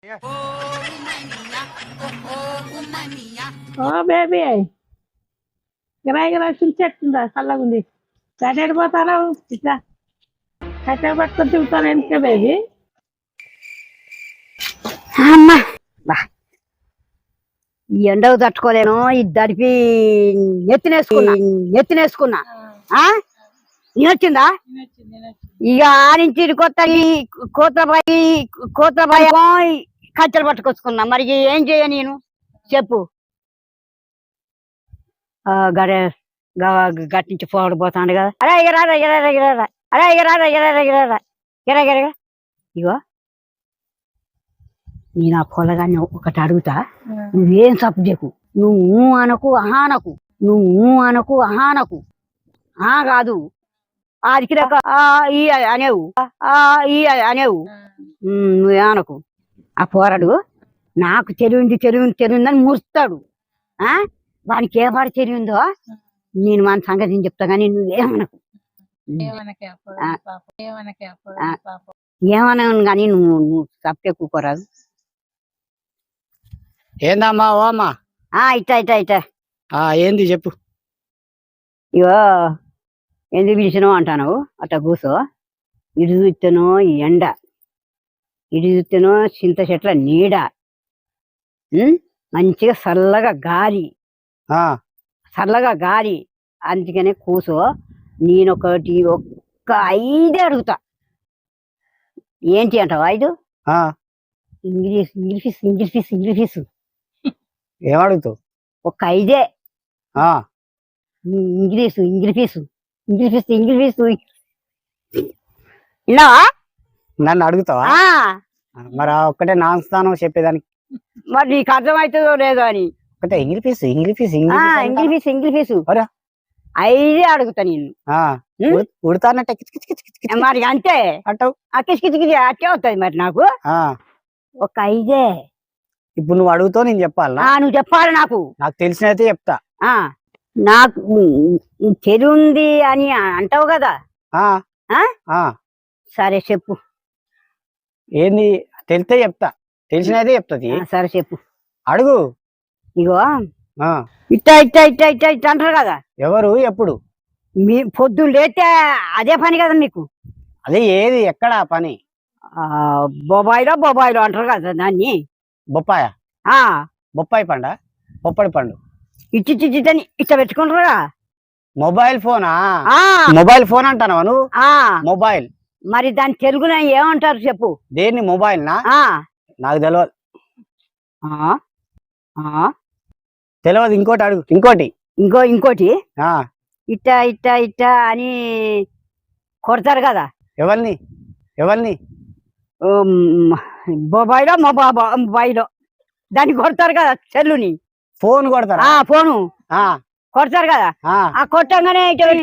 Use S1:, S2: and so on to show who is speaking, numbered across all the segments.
S1: ఓ baby గిరాయి గిరాయి చుంచెట్టుందా చల్లగుంది కట్టెడు పోతాను ఇట్లా కట్టెడు పట్టుకొని తిరుగుతాను ఎందుకే బేబీ
S2: అమ్మా బా ఈ ఎండకు తట్టుకోలేను ఇది దడిపి నెత్తినేసుకున్నా నేనొచ్చిందా ఇక ఆ నుంచి కొత్త కోతబాయి కట్టెలు పట్టుకొచ్చుకున్నా మరి ఏం చేయ నేను చెప్పు గట్టి నుంచి పోవడం పోతాడు కదా అరే ఎగరారా ఎగరారా ఎగరారా అరే ఎగరారా ఎగరారా ఎగరారా ఎగరగెరగా ఇగో నేను ఆ పొలగాన్ని ఒకటి అడుగుతా నువ్వేం సప్పు చేయకు నువ్వు అనకు అహానకు కాదు ఆదికి ఈ అనేవు నువ్వేమనకు ఆ పోరాడు నాకు తెలివిందని మురుస్తాడు వానికి ఏ పాడు తెలివిందో నేను మన సంగతి చెప్తా కానీ నువ్వేమనకు ఏమనను కానీ నువ్వు తప్పే కూకోరాదు
S3: ఏందమ్మా ఓ అమ్మా
S2: ఇట్టా
S3: ఏంది చెప్పు
S2: ఇగో ఎందుకు పిలిచినావు అంటాను అట్లా కూసో ఇటు చూస్తేనో ఎండ ఇటు చూస్తేనో చింత చెట్ల నీడ మంచిగా చల్లగా గాలి అందుకనే కూసో నేనొకటి ఒక్క 5 అడుగుతా ఏంటి అంటావు 5 ఇంగ్లీష్
S3: ఏమడుగుతావు
S2: ఒక 5 ఇంగ్లీష్ విన్నావా
S3: నన్ను అడుగుతావా మరి ఒక్కటే నా స్థానం చెప్పేదానికి
S2: మరి నీకు అర్థమవుతుందో లేదో అని
S3: ఒకటే ఇంగ్లీష్
S2: 5 అడుగుతా నేను
S3: ఉడతానంటే
S2: మరి అంతే
S3: అంటావు
S2: కిచకిచకిచి అట్టే అవుతుంది మరి నాకు ఒక 5
S3: ఇప్పుడు నువ్వు అడుగుతావు నేను చెప్పాలా
S2: నువ్వు చెప్పాలి నాకు
S3: తెలిసినైతే చెప్తా
S2: నాకు చెరుంది అని అంటావు కదా సరే చెప్పు
S3: ఏంది తెలితే చెప్తా తెలిసినైతే చెప్తాది
S2: సరే చెప్పు
S3: అడుగు
S2: ఇగో ఇట్ట అంటారు కదా
S3: ఎవరు ఎప్పుడు
S2: మీ పొద్దున్న లేతే అదే పని కదా మీకు
S3: అదే ఏది ఎక్కడ పని
S2: బొబాయిలో అంటారు కదా దాన్ని
S3: బొప్పాయి పొప్పడి పండు
S2: ఇచ్చిని ఇట్ట పెట్టుకుంటారా
S3: మొబైల్ ఫోన్ అంటావా నువ్వు మొబైల్
S2: మరి దాని తెలుగులో ఏమంటారు చెప్పు
S3: దేన్ని మొబైల్ నాకు తెలియదు తెలియదు ఇంకోటి అడుగు
S2: ఇంకోటి ఇట్ట అని కొడతారు కదా
S3: ఎవరిని
S2: మొబైలో దాన్ని కొడతారు కదా చెల్లుని
S3: ఫోన్ కొడతారా
S2: ఫోను కొడతారు కదా ఆ కొట్టంగానే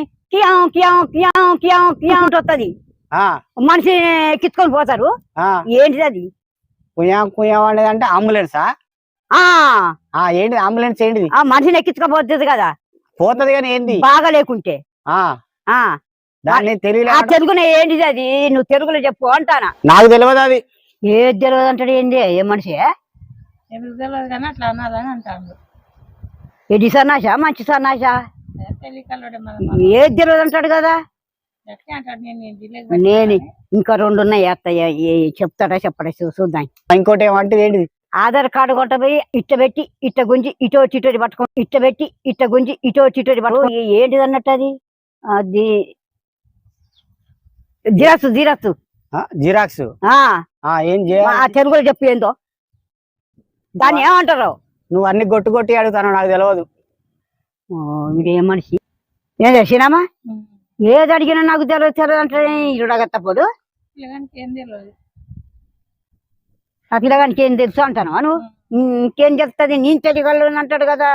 S2: వస్తుంది మనిషి ఎక్కించుకొని పోతారు ఏంటిది అది
S3: అంటే అంబులెన్సా ఏంటి అంబులెన్స్ ఏంటిది
S2: మనిషిని ఎక్కించుకోపోతుంది కదా
S3: పోతుంది కానీ ఏంటి
S2: బాగా లేకుంటే
S3: దాన్ని
S2: తెలుగునే ఏంటిది అది నువ్వు తెలుగులో చెప్పు అంటానా
S3: నాకు తెలియదు అది
S2: ఏది తెలియదు అంటాడు ఏంది ఏ మనిషి ఎడి సన్నాసా మంచి సన్నాసా ఏది తెలియదు అంటాడు కదా నేను ఇంకా 2 ఉన్నాయి చెప్తాడా చెప్పడా చూద్దాం
S3: ఇంకోటి ఏమంటే ఏంటిది
S2: ఆధార్ కార్డు కొట్టబోయి ఇట్ట పెట్టి ఇట్ట గుంజి ఇటో చిటోటి పట్టుకో ఇట్ట పెట్టి ఇట్ట గుంజి ఇటో చిటోటి పట్టుకో ఏంటిది అన్నట్టు అది
S3: జిరాక్స్ ఏం
S2: తెలుగులో చెప్పు ఏందో దాన్ని ఏమంటారు
S3: నువ్వు అన్ని కొట్టి అడుగుతాను నాకు తెలియదు
S2: ఇదేం మనిషి ఏం తెలిసినామా ఏది అడిగినా నాకు తెలియదు అంటే ఇరుడగత్తప్పుడు ఆ పిల్లగానికి ఏం తెలుసు అంటాను నువ్వు ఇంకేం చెప్తుంది నేను తెలియగలను అంటాడు కదా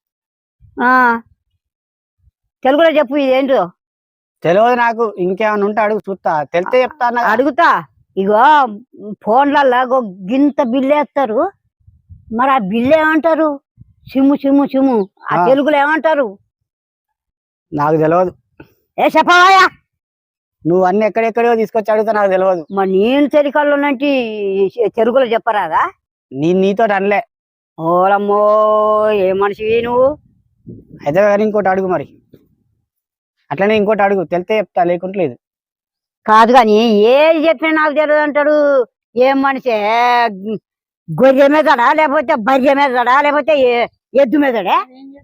S2: తెలుగులో చెప్పు ఇదేంటో
S3: తెలియదు నాకు ఇంకేమైనా ఉంటే అడుగు చూస్తా తెలితే చెప్తాను
S2: అడుగుతా ఇగో ఫోన్లలో గింత బిల్లు వేస్తారు మరి ఆ బిల్లు ఏమంటారు చిమ్ము ఆ తెలుగులో ఏమంటారు
S3: నాకు తెలియదు
S2: చెప్పవా
S3: నువ్వు అన్ని ఎక్కడెక్కడో తీసుకొచ్చి అడుగుతా నాకు తెలియదు.
S2: మరి నేను చెరికల్లోనంటి చెరుకులో చెప్పరాదా?
S3: నీతో అనలే.
S2: ఓలమ్మో ఏ మనిషివి నువ్వు?
S3: అయితే కానీ ఇంకోటి అడుగు మరి. అట్లనే ఇంకోటి అడుగు, తెలితే చెప్తా, లేకుంటే లేదు.
S2: కాదు కానీ ఏది చెప్పినా నాకు తెలియదు అంటాడు. ఏం మనిషి? గొర్రె మీదడా లేకపోతే బర్రె మీదడా లేకపోతే ఎద్దు మీదడా?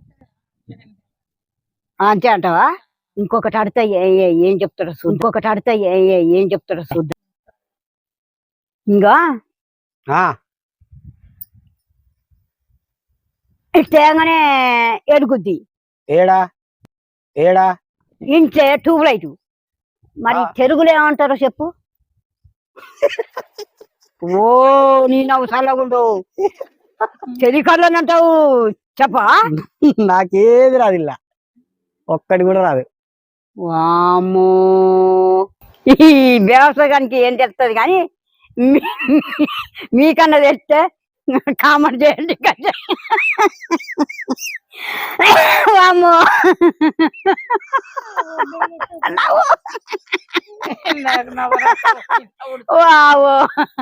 S2: అంతే అంటావా? ఇంకొకటి అడితే ఏం చెప్తాడో చూద్దాం. ఇంకొకటి అడితే ఏం చెప్తాడో చూద్దాం. ఇంకా తేగానే ఎడుగుద్ది.
S3: ఏడా ఏడా?
S2: ఇంట్లో ట్యూబ్ లైట్. మరి తెలుగులో ఏమంటారో చెప్పు. ఓ నీ నవ్వు చల్లగుండు. చెలికర్లోనంటావు చెప్పా?
S3: నాకేది రాదు, ఇలా ఒక్కటి కూడా రాదు.
S2: వామ్మో ఈ వ్యవసాయానికి ఏం తెలుస్తుంది కానీ మీకన్నా తెస్తే కామెంట్ చేయండి. వామ్మో
S1: నాకు నవ్వు
S2: వావో